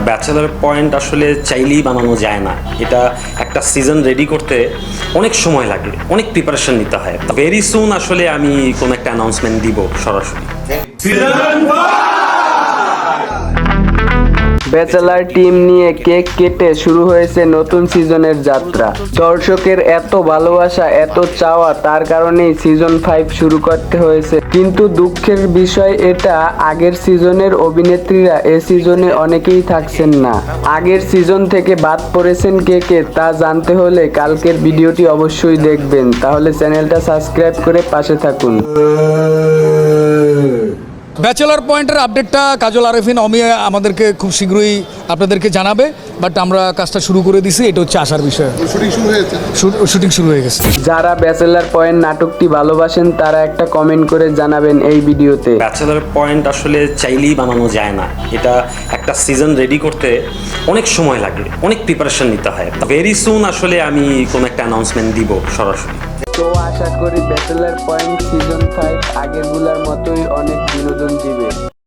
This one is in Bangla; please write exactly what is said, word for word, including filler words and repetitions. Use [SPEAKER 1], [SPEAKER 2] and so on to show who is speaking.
[SPEAKER 1] ব্যাচেলার পয়েন্ট আসলে চাইলেই বানানো যায় না। এটা একটা সিজন রেডি করতে অনেক সময় লাগে, অনেক প্রিপারেশন নিতে হয়। ভেরি সুন আসলে আমি কোনো একটা অ্যানাউন্সমেন্ট দিব সরাসরি।
[SPEAKER 2] ব্যাচেলার টিম নিয়ে কেক কেটে শুরু হয়েছে নতুন সিজনের যাত্রা। দর্শকের এত ভালোবাসা, এত চাওয়া, তার কারণেই সিজন ফাইভ শুরু করতে হয়েছে। কিন্তু দুঃখের বিষয় এটা, আগের সিজনের অভিনেত্রীরা এ সিজনে অনেকেই থাকছেন না। আগের সিজন থেকে বাদ পড়েছেন কে কে তা জানতে হলে কালকের ভিডিওটি অবশ্যই দেখবেন। তাহলে চ্যানেলটা সাবস্ক্রাইব করে পাশে থাকুন।
[SPEAKER 3] ব্যাচেলার পয়েন্টের আপডেটটা কাজল আরেফিন অমিয়া আমাদেরকে খুব শীঘ্রই আপনাদেরকে জানাবে, বাট আমরা কাজটা শুরু করে দিছি, এটা হচ্ছে আসার বিষয়।
[SPEAKER 4] শুটিং শুরু হয়েছে
[SPEAKER 3] শুটিং শুরু হয়ে গেছে।
[SPEAKER 2] যারা ব্যাচেলার পয়েন্ট নাটকটি ভালোবাসেন তারা একটা কমেন্ট করে জানাবেন এই ভিডিওতে।
[SPEAKER 1] ব্যাচেলার পয়েন্ট আসলে চাইলেই বানানো যায় না। এটা একটা সিজন রেডি করতে অনেক সময় লাগে, অনেক প্রিপারেশন নিতে হয়। ভেরি সুন আসলে আমি কোনো একটা অ্যানাউন্সমেন্ট দিব সরাসরি।
[SPEAKER 2] তো আশা করি ব্যাচেলার পয়েন্ট সিজন ফাইভ আগেরগুলোর মতোই অনেক বিনোদন দিবে।